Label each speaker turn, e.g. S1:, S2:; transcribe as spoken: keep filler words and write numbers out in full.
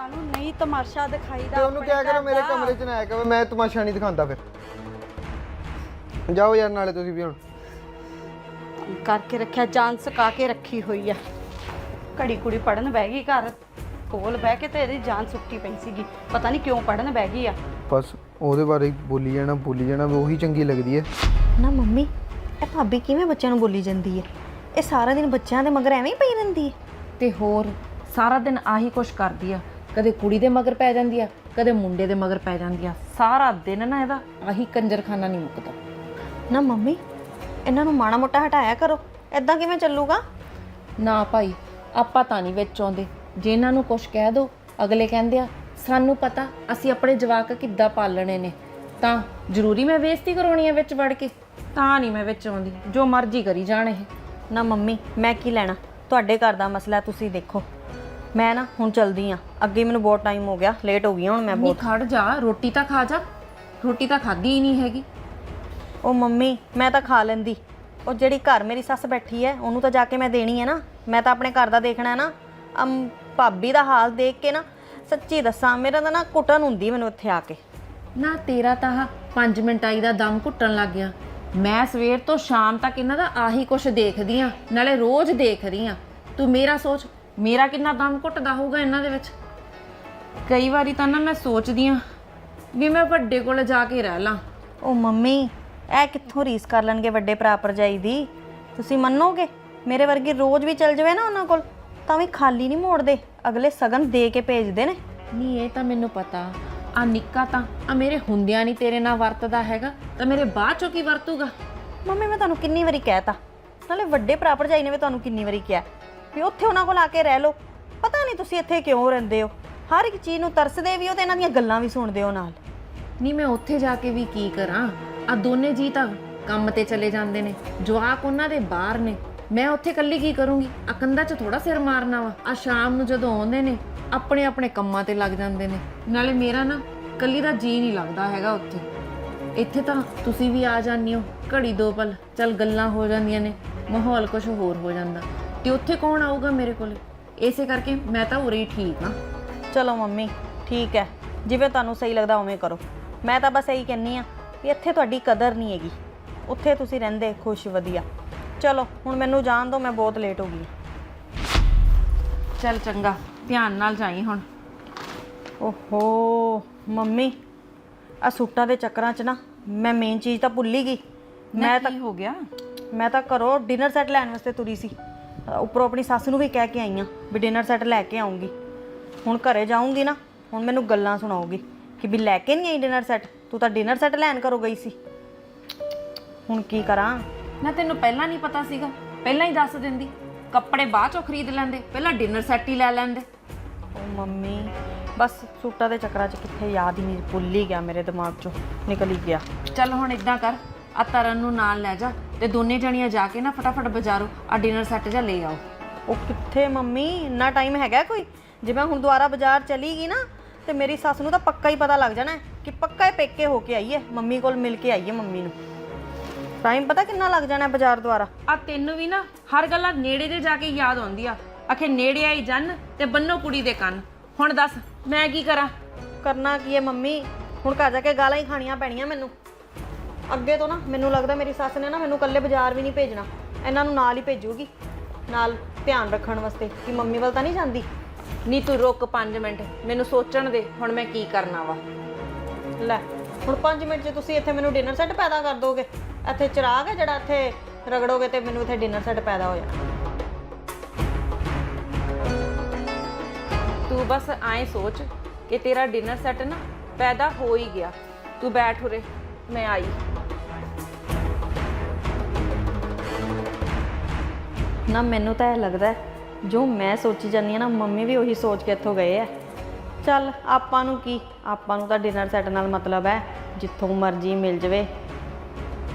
S1: ਨੂੰ ਨਹੀਂ ਤਮਾਸ਼ਾ ਦਿਖਾਈਦਾ।
S2: ਤੇ ਉਹਨੂੰ ਕਿਹਾ ਕਰੋ ਮੇਰੇ ਕਮਰੇ 'ਚ ਨਾ ਆਇਆ ਕਰੋ, ਮੈਂ ਤਮਾਸ਼ਾ ਨਹੀਂ ਦਿਖਾਉਂਦਾ। ਫਿਰ ਜਾਓ ਯਾਰ, ਨਾਲੇ ਤੁਸੀਂ ਵੀ ਹੁਣ
S1: ਕਰਕੇ ਰੱਖਿਆ, ਜਾਨ ਸਕਾ ਕੇ ਰੱਖੀ ਹੋਈ ਆ। ਘੜੀ ਕੁੜੀ ਪੜਨ ਬਹਿ ਗਈ ਘਰ ਕੋਲ ਬਹਿ ਕੇ, ਤੇ ਇਹਦੀ ਜਾਨ ਸੁੱਕੀ ਪਈ ਸੀਗੀ। ਪਤਾ ਨਹੀਂ ਕਿਉਂ ਪੜਨ ਬਹਿ ਗਈ ਆ।
S2: ਬਸ ਉਹਦੇ ਬਾਰੇ ਬੋਲੀ ਜਾਣਾ ਬੋਲੀ ਜਾਣਾ ਉਹੀ ਚੰਗੀ ਲੱਗਦੀ ਹੈ
S3: ਨਾ। ਮੰਮੀ ਇਹ ਭਾਬੀ ਕਿਵੇਂ ਬੱਚਿਆਂ ਨੂੰ ਬੋਲੀ ਜਾਂਦੀ ਹੈ? ਇਹ ਸਾਰਾ ਦਿਨ ਬੱਚਿਆਂ ਦੇ ਮਗਰ ਐਵੇਂ ਹੀ ਪਈ ਰਹਿੰਦੀ ਹੈ।
S4: ਤੇ ਹੋਰ ਸਾਰਾ ਦਿਨ ਆਹੀ ਕੁਛ ਕਰਦੀ ਆ। ਕਦੇ ਕੁੜੀ ਦੇ ਮਗਰ ਪੈ ਜਾਂਦੀ ਆ, ਕਦੇ ਮੁੰਡੇ ਦੇ ਮਗਰ ਪੈ ਜਾਂਦੀ ਆ। ਸਾਰਾ ਦਿਨ ਨਾ ਇਹਦਾ ਆਹੀ ਕੰਜਰਖਾਨਾ ਨਹੀਂ ਮੁੱਕਦਾ।
S3: ਨਾ ਮੰਮੀ ਇਹਨਾਂ ਨੂੰ ਮਾੜਾ ਮੋਟਾ ਹਟਾਇਆ ਕਰੋ, ਐਦਾਂ ਕਿਵੇਂ ਚੱਲੂਗਾ?
S4: ਨਾ ਭਾਈ, ਆਪਾਂ ਤਾਂ ਨਹੀਂ ਵਿੱਚ ਆਉਂਦੇ। ਜੇ ਇਹਨਾਂ ਨੂੰ ਕੁਛ ਕਹਿ ਦੋ, ਅਗਲੇ ਕਹਿੰਦੇ ਆ ਸਾਨੂੰ ਪਤਾ ਅਸੀਂ ਆਪਣੇ ਜਵਾਕ ਕਿੱਦਾਂ ਪਾਲਣੇ ਨੇ, ਤਾਂ ਜ਼ਰੂਰੀ ਮੈਂ ਬੇਇੱਜ਼ਤੀ ਕਰਾਉਣੀ ਆ ਵਿੱਚ ਵੜ ਕੇ? ਤਾਂ ਨਹੀਂ ਮੈਂ ਵਿੱਚ ਆਉਂਦੀ, ਜੋ ਮਰਜ਼ੀ ਕਰੀ ਜਾਣ ਇਹ।
S3: ਨਾ ਮੰਮੀ ਮੈਂ ਕੀ ਲੈਣਾ, ਤੁਹਾਡੇ ਘਰ ਦਾ ਮਸਲਾ ਤੁਸੀਂ ਦੇਖੋ। ਮੈਂ ਨਾ ਹੁਣ ਚਲਦੀ ਆ, ਅੱਗੇ ਮੈਨੂੰ ਬਹੁਤ ਟਾਈਮ ਹੋ ਗਿਆ, ਲੇਟ ਹੋ ਗਈ ਹੁਣ ਮੈਂ
S4: ਨਹੀਂ
S3: ਬਹੁਤ।
S4: ਖੜ ਜਾ, ਰੋਟੀ ਤਾਂ ਖਾ ਜਾ। ਰੋਟੀ ਤਾਂ ਖਾਧੀ ਹੀ ਨਹੀਂ ਹੈਗੀ।
S3: ਉਹ ਮੰਮੀ ਮੈਂ ਤਾਂ ਖਾ ਲੈਂਦੀ, ਉਹ ਜਿਹੜੀ ਘਰ ਮੇਰੀ ਸੱਸ ਬੈਠੀ ਹੈ ਉਹਨੂੰ ਤਾਂ ਜਾ ਕੇ ਮੈਂ ਦੇਣੀ ਹੈ ਨਾ। ਮੈਂ ਤਾਂ ਆਪਣੇ ਘਰ ਦਾ ਦੇਖਣਾ ਹੈ ਨਾ। ਅਮ ਭਾਬੀ ਦਾ ਹਾਲ ਦੇਖ ਕੇ ਨਾ ਸੱਚੀ ਦੱਸਾਂ ਮੇਰਾ ਤਾਂ ਨਾ ਘੁੱਟਣ ਹੁੰਦੀ ਮੈਨੂੰ ਇੱਥੇ ਆ ਕੇ।
S4: ਨਾ ਤੇਰਾ ਤਾਂ ਆਹ ਪੰਜ ਮਿੰਟ ਆਈ ਦਾ ਦਮ ਘੁੱਟਣ ਲੱਗ ਗਿਆ। ਮੈਂ ਸਵੇਰ ਤੋਂ ਸ਼ਾਮ ਤੱਕ ਇਹਨਾਂ ਦਾ ਆਹੀ ਕੁਛ ਦੇਖਦੀ ਆ, ਨਾਲੇ ਰੋਜ਼ ਦੇਖਦੀ ਆ। ਤੂੰ ਮੇਰਾ ਸੋਚ, ਮੇਰਾ ਕਿੰਨਾ ਦਮ ਘੁੱਟਦਾ ਹੋਊਗਾ ਇਹਨਾਂ ਦੇ ਵਿੱਚ। ਕਈ ਵਾਰੀ ਤਾਂ ਨਾ ਮੈਂ ਸੋਚਦੀ ਆ ਵੀ ਮੈਂ ਵੱਡੇ ਕੋਲ ਜਾ ਕੇ ਰਹਿ ਲਾਂ।
S3: ਉਹ ਮੰਮੀ ਇਹ ਕਿੱਥੋਂ ਰੀਸ ਕਰ ਲੈਣਗੇ ਵੱਡੇ ਭਰਾ ਭਰਜਾਈ ਦੀ? ਤੁਸੀਂ ਮੰਨੋਗੇ ਮੇਰੇ ਵਰਗੀ ਰੋਜ਼ ਵੀ ਚੱਲ ਜਾਵੇ ਨਾ ਉਹਨਾਂ ਕੋਲ ਤਾਂ ਵੀ ਖਾਲੀ ਨਹੀਂ ਮੋੜਦੇ, ਅਗਲੇ ਸਗਨ ਦੇ ਕੇ ਭੇਜਦੇ ਨੇ।
S4: ਨਹੀਂ ਇਹ ਤਾਂ ਮੈਨੂੰ ਪਤਾ। ਆ ਨਿੱਕਾ ਤਾਂ ਆ ਮੇਰੇ ਹੁੰਦਿਆਂ ਨਹੀਂ ਤੇਰੇ ਨਾਲ ਵਰਤਦਾ ਹੈਗਾ, ਤਾਂ ਮੇਰੇ ਬਾਅਦ ਚੋਂ ਕੀ ਵਰਤੂਗਾ?
S3: ਮੰਮੀ ਮੈਂ ਤੁਹਾਨੂੰ ਕਿੰਨੀ ਵਾਰੀ ਕਹਿਤਾ, ਨਾਲੇ ਵੱਡੇ ਭਰਾ ਭਰਜਾਈ ਨੇ ਵੀ ਤੁਹਾਨੂੰ ਕਿੰਨੀ ਵਾਰੀ ਕਿਹਾ ਵੀ ਉੱਥੇ ਉਹਨਾਂ ਕੋਲ ਆ ਕੇ ਰਹਿ ਲਓ। ਪਤਾ ਨਹੀਂ ਤੁਸੀਂ ਇੱਥੇ ਕਿਉਂ ਰਹਿੰਦੇ ਹੋ, ਹਰ ਇੱਕ ਚੀਜ਼ ਨੂੰ ਤਰਸਦੇ ਵੀ ਹੋ ਤੇ ਇਹਨਾਂ ਦੀਆਂ ਗੱਲਾਂ ਵੀ ਸੁਣਦੇ ਹੋ ਨਾਲ।
S4: ਨਹੀਂ ਮੈਂ ਉੱਥੇ ਜਾ ਕੇ ਵੀ ਕੀ ਕਰਾਂ? ਆ ਦੋਨੇ ਜੀ ਤਾਂ ਕੰਮ ਤੇ ਚਲੇ ਜਾਂਦੇ ਨੇ, ਜਵਾਕ ਉਹਨਾਂ ਦੇ ਬਾਹਰ ਨੇ। ਮੈਂ ਉੱਥੇ ਇਕੱਲੀ ਕੀ ਕਰੂੰਗੀ? ਆ ਕੰਧਾਂ 'ਚ ਥੋੜਾ ਸਿਰ ਮਾਰਨਾ ਵਾ। ਆ ਸ਼ਾਮ ਨੂੰ ਜਦੋਂ ਆਉਂਦੇ ਨੇ ਆਪਣੇ ਆਪਣੇ ਕੰਮਾਂ ਤੇ ਲੱਗ ਜਾਂਦੇ ਨੇ। ਨਾਲੇ ਮੇਰਾ ਨਾ ਇਕੱਲੀ ਦਾ ਜੀ ਨਹੀਂ ਲੱਗਦਾ ਹੈਗਾ ਉੱਥੇ। ਇੱਥੇ ਤਾਂ ਤੁਸੀਂ ਵੀ ਆ ਜਾਂਦੇ ਹੋ ਘੜੀ ਦੋ ਪਲ, ਚੱਲ ਗੱਲਾਂ ਹੋ ਜਾਂਦੀਆਂ ਨੇ, ਮਾਹੌਲ ਕੁਝ ਹੋਰ ਹੋ ਜਾਂਦਾ। ਤੇ ਉੱਥੇ ਕੌਣ ਆਊਗਾ ਮੇਰੇ ਕੋਲ? ਇਸੇ ਕਰਕੇ ਮੈਂ ਤਾਂ ਉਰੇ ਹੀ ਠੀਕ ਹਾਂ।
S3: ਚਲੋ ਮੰਮੀ ਠੀਕ ਹੈ, ਜਿਵੇਂ ਤੁਹਾਨੂੰ ਸਹੀ ਲੱਗਦਾ ਉਵੇਂ ਕਰੋ। ਮੈਂ ਤਾਂ ਬਸ ਇਹੀ ਕਹਿੰਨੀ ਆ ਵੀ ਇੱਥੇ ਤੁਹਾਡੀ ਕਦਰ ਨਹੀਂ ਹੈਗੀ, ਉੱਥੇ ਤੁਸੀਂ ਰਹਿੰਦੇ ਖੁਸ਼ ਵਧੀਆ। ਚਲੋ ਹੁਣ ਮੈਨੂੰ ਜਾਣ ਦਿਓ, ਮੈਂ ਬਹੁਤ ਲੇਟ ਹੋ ਗਈ।
S4: ਚੱਲ ਚੰਗਾ, ਧਿਆਨ ਨਾਲ ਜਾਈ ਹੁਣ।
S3: ਓਹੋ ਮੰਮੀ ਆ ਸੂਟਾਂ ਦੇ ਚੱਕਰਾਂ 'ਚ ਨਾ ਮੈਂ ਮੇਨ ਚੀਜ਼ ਤਾਂ ਭੁੱਲ ਹੀ ਗਈ। ਮੈਂ ਤਾਂ
S4: ਹੋ ਗਿਆ?
S3: ਮੈਂ ਤਾਂ ਘਰੋਂ ਡਿਨਰ ਸੈੱਟ ਲੈਣ ਵਾਸਤੇ ਤੁਰੀ ਸੀ, ਉੱਪਰੋਂ ਆਪਣੀ ਸੱਸ ਨੂੰ ਵੀ ਕਹਿ ਕੇ ਆਈ ਹਾਂ ਵੀ ਡਿਨਰ ਸੈੱਟ ਲੈ ਕੇ ਆਉਂਗੀ। ਹੁਣ ਘਰੇ ਜਾਊਂਗੀ ਨਾ, ਹੁਣ ਮੈਨੂੰ ਗੱਲਾਂ ਸੁਣਾਉਗੀ ਕਿ ਵੀ ਲੈ ਕੇ ਨਹੀਂ ਆਈ ਡਿਨਰ ਸੈੱਟ, ਤੂੰ ਤਾਂ ਡਿਨਰ ਸੈੱਟ ਲੈਣ ਘਰੋਂ ਗਈ ਸੀ। ਹੁਣ ਕੀ ਕਰਾਂ?
S4: ਨਾ ਤੈਨੂੰ ਪਹਿਲਾਂ ਨਹੀਂ ਪਤਾ ਸੀਗਾ? ਪਹਿਲਾਂ ਹੀ ਦੱਸ ਦਿੰਦੀ, ਕੱਪੜੇ ਬਾਅਦ ਚੋਂ ਖਰੀਦ ਲੈਂਦੇ, ਪਹਿਲਾਂ ਡਿਨਰ ਸੈੱਟ ਹੀ ਲੈ ਲੈਂਦੇ।
S3: ਓ ਮੰਮੀ ਬਸ ਸੂਟਾਂ ਦੇ ਚੱਕਰਾਂ 'ਚ ਕਿੱਥੇ ਯਾਦ ਹੀ ਨਹੀਂ, ਭੁੱਲ ਹੀ ਗਿਆ, ਮੇਰੇ ਦਿਮਾਗ 'ਚੋਂ ਨਿਕਲ ਹੀ ਗਿਆ।
S4: ਚੱਲ ਹੁਣ ਇਦਾਂ ਕਰ, ਆ ਤਰਨ ਨੂੰ ਨਾਲ ਲੈ ਜਾ ਤੇ ਦੋਨੇ ਜਣੀਆਂ ਜਾ ਕੇ ਨਾ ਫਟਾਫਟ ਬਾਜ਼ਾਰੋਂ ਆ ਡਿਨਰ ਸੈੱਟ ਜਾਂ ਲੈ ਆਓ।
S3: ਉਹ ਕਿੱਥੇ ਮੰਮੀ, ਇੰਨਾ ਟਾਈਮ ਹੈਗਾ ਕੋਈ? ਜੇ ਮੈਂ ਹੁਣ ਦੁਬਾਰਾ ਬਾਜ਼ਾਰ ਚਲੀ ਗਈ ਨਾ ਤੇ ਮੇਰੀ ਸੱਸ ਨੂੰ ਤਾਂ ਪੱਕਾ ਹੀ ਪਤਾ ਲੱਗ ਜਾਣਾ ਕਿ ਪੱਕਾ ਹੀ ਪੇਕੇ ਹੋ ਕੇ ਆਈ ਹੈ, ਮੰਮੀ ਕੋਲ ਮਿਲ ਕੇ ਆਈ ਹੈ ਮੰਮੀ ਨੂੰ। ਟਾਈਮ ਪਤਾ ਕਿੰਨਾ ਲੱਗ ਜਾਣਾ ਬਾਜ਼ਾਰ ਦੁਆਰਾ।
S4: ਆ ਤੈਨੂੰ ਵੀ ਨਾ ਹਰ ਗੱਲਾਂ ਨੇੜੇ ਦੇ ਜਾ ਕੇ ਯਾਦ ਆਉਂਦੀ ਆ। ਆਖੇ ਨੇੜੇ ਆਈ ਜੰਨ ਤੇ ਬੰਨੋ ਕੁੜੀ ਦੇ ਕੰਨ। ਹੁਣ ਦੱਸ ਮੈਂ ਕੀ ਕਰਾਂ?
S3: ਕਰਨਾ ਕੀ ਹੈ ਮੰਮੀ, ਹੁਣ ਘਰ ਜਾ ਕੇ ਗਾਲਾਂ ਹੀ ਖਾਣੀਆਂ ਪੈਣੀਆਂ ਮੈਨੂੰ। ਅੱਗੇ ਤੋਂ ਨਾ ਮੈਨੂੰ ਲੱਗਦਾ ਮੇਰੀ ਸੱਸ ਨੇ ਨਾ ਮੈਨੂੰ ਇਕੱਲੇ ਬਾਜ਼ਾਰ ਵੀ ਨਹੀਂ ਭੇਜਣਾ, ਇਹਨਾਂ ਨੂੰ ਨਾਲ ਹੀ ਭੇਜੂਗੀ, ਨਾਲ ਧਿਆਨ ਰੱਖਣ ਵਾਸਤੇ ਕਿ ਮੰਮੀ ਵੱਲ ਤਾਂ ਨਹੀਂ ਜਾਂਦੀ।
S4: ਨੀ ਤੂੰ ਰੁਕ ਪੰਜ ਮਿੰਟ, ਮੈਨੂੰ ਸੋਚਣ ਦੇ ਹੁਣ ਮੈਂ ਕੀ ਕਰਨਾ ਵਾ।
S3: ਲੈ ਹੁਣ ਪੰਜ ਮਿੰਟ 'ਚ ਤੁਸੀਂ ਇੱਥੇ ਮੈਨੂੰ ਡਿਨਰ ਸੈੱਟ ਪੈਦਾ ਕਰ ਦੋਗੇ? ਇੱਥੇ ਚਿਰਾਗ ਹੈ ਜਿਹੜਾ ਇੱਥੇ ਰਗੜੋਗੇ ਤੇ ਮੈਨੂੰ ਇੱਥੇ ਡਿਨਰ ਸੈੱਟ ਪੈਦਾ ਹੋ ਜਾਣਾ।
S4: ਤੂੰ ਬਸ ਐਂ ਸੋਚ ਕਿ ਤੇਰਾ ਡਿਨਰ ਸੈੱਟ ਨਾ ਪੈਦਾ ਹੋ ਹੀ ਗਿਆ। ਤੂੰ ਬੈਠ ਉਰੇ, ਮੈਂ ਆਈ।
S3: ਨਾ ਮੈਨੂੰ ਤਾਂ ਇਹ ਲੱਗਦਾ ਜੋ ਮੈਂ ਸੋਚੀ ਜਾਂਦੀ ਹਾਂ ਨਾ ਮੰਮੀ ਵੀ ਉਹੀ ਸੋਚ ਕੇ ਇੱਥੋਂ ਗਏ ਆ। ਚੱਲ ਆਪਾਂ ਨੂੰ ਕੀ, ਆਪਾਂ ਨੂੰ ਤਾਂ ਡਿਨਰ ਸੈੱਟ ਨਾਲ ਮਤਲਬ ਹੈ, ਜਿੱਥੋਂ ਮਰਜ਼ੀ ਮਿਲ ਜਾਵੇ